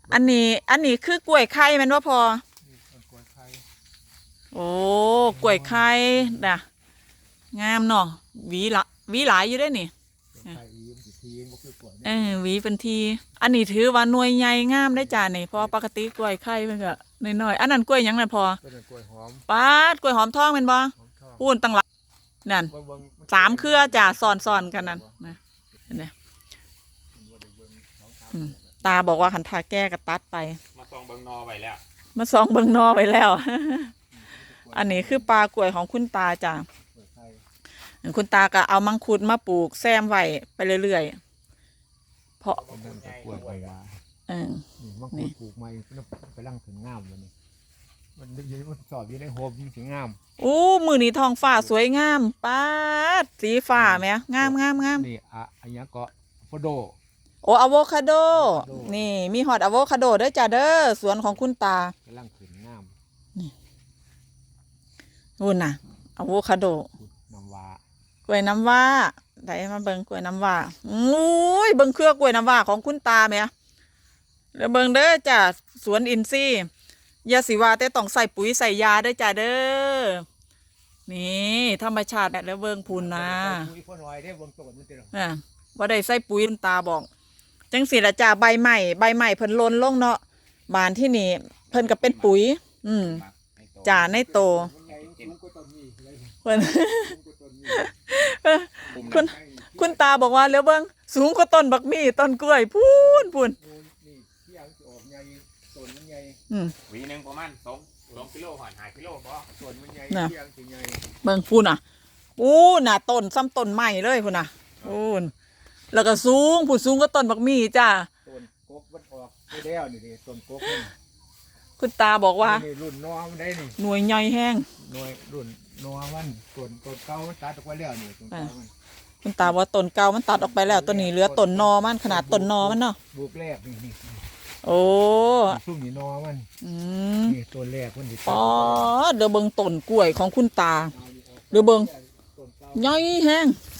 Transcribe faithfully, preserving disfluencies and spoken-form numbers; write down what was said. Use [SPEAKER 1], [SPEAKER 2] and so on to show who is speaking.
[SPEAKER 1] อันนี้อันนี้คือกล้วยไข่แมันว่าพอโอ้กล้วยไข่น่ะงามเนาะหวีละหวีหลายอยู่ได้นี่เออหวีเป็นทีอันนี้ถือว่าหน่วยใหญ่งามได้จ้านี่เพราะปกติกล้วยไข่มันก็น้อยๆอันนั้นกล้วยยังนั่นพอปาดกล้วยหอมทองเป็นบ่พูนตั้งหลักนั่นสามเครือจ้าซ้อนๆกันนั่นนะเนี่ยตาบอกว่าขันทาแก้กระตัดไป
[SPEAKER 2] มาซองเบิงนอไปแล้ว
[SPEAKER 1] มาซองเบิงนอไปแล้ว อันนี้คือปลากล้วยของคุณตาจ้าคุณตาก็เอามังคุดมาปลูกแซมไว้ไปเรื่อยๆเพราะ
[SPEAKER 3] กล้วยไปมา
[SPEAKER 1] เออ
[SPEAKER 3] มังคุดปลูกมาไปลั่งถึงงามเลยนี่มันยืนมันสอบอยู่ในโฮมถึงงาม
[SPEAKER 1] อู้มือนี้ทองฟ้าสวยงามป้าสีฟ้าไหมงามงามงาม
[SPEAKER 3] นี่อะอันนี้ก็โฟโด
[SPEAKER 1] โอ้อะโวคาโดนี่มีฮอตอะโวคาโดด้วยจ้าเด้อสวนของคุณตาก
[SPEAKER 3] ำลังขึ้นงาม
[SPEAKER 1] นี่นู่นน่ะอะโวคาโด
[SPEAKER 3] น้ำว้
[SPEAKER 1] ากล้วยน้ำว้าได้มาเบิ่งกล้วยน้ำว้าอุ้ยเบิ่งเครือกล้วยน้ำว้าของคุณตาไหมแล้วเบิ่งเด้อจ้าสวนอินทรีย์ยาสีว่าแต่ต้องใส่ปุ๋ยใส่ยาด้วยจ้าเด้อนี่ธรรมชาติแล้วเบิ่งพูนนะอ่าว่าได้ใส่ปุ๋ยคุณตาบอกจังสิละจ้าใบใหม่ใบใหม่เพิ่นล้นลงเนาะบานที่นี่เพิ่นก็เป็นปุ๋ยอืมจ่าในโตเพิ่นคุณคุณตาบอกว่าแล้วเบิ่งสูงกว่าต้นบักมี่ต้นกล้วยพูนพูน
[SPEAKER 2] หวีหนึ่งประมาณสองสองกิโลหอนหายกิโลพอส่วนมันใหญ่
[SPEAKER 1] เบิ่งพูนอ่ะพูนน่ะต้นซ้ำต้นใหม่เลยพูนน่ะพูนแล้วก็สูงผู้สูงก็ต้นบักมี่จ้า
[SPEAKER 3] ต้นกกมันออกไม่ได้นี่ดิต้นกกนี่
[SPEAKER 1] คุณตาบอกว่า
[SPEAKER 3] รุ่นนอมันได้นี่
[SPEAKER 1] หน่วยใหญ่แห้ง
[SPEAKER 3] หน่วยรุ่นนอมันต้นต้นเก่ามันตัดออกไปแล้วนี่ต้นเก่ามัน
[SPEAKER 1] คุณตาว่าต้นเก่ามันตัดออกไปแล้วต้นนี้เหลือต้นนอมันขนาดต้นนอมันเนาะ
[SPEAKER 3] บุกแรกนี่นี่
[SPEAKER 1] โอ้
[SPEAKER 3] ซุ่มนี่นอมัน
[SPEAKER 1] อืม
[SPEAKER 3] นี่ต้นแรกมันดิ
[SPEAKER 1] อ๋อเดี๋ยวเบิ่งต้นกล้วยของคุณตาเดี๋ยวเบิ่งใหญ่แห้ง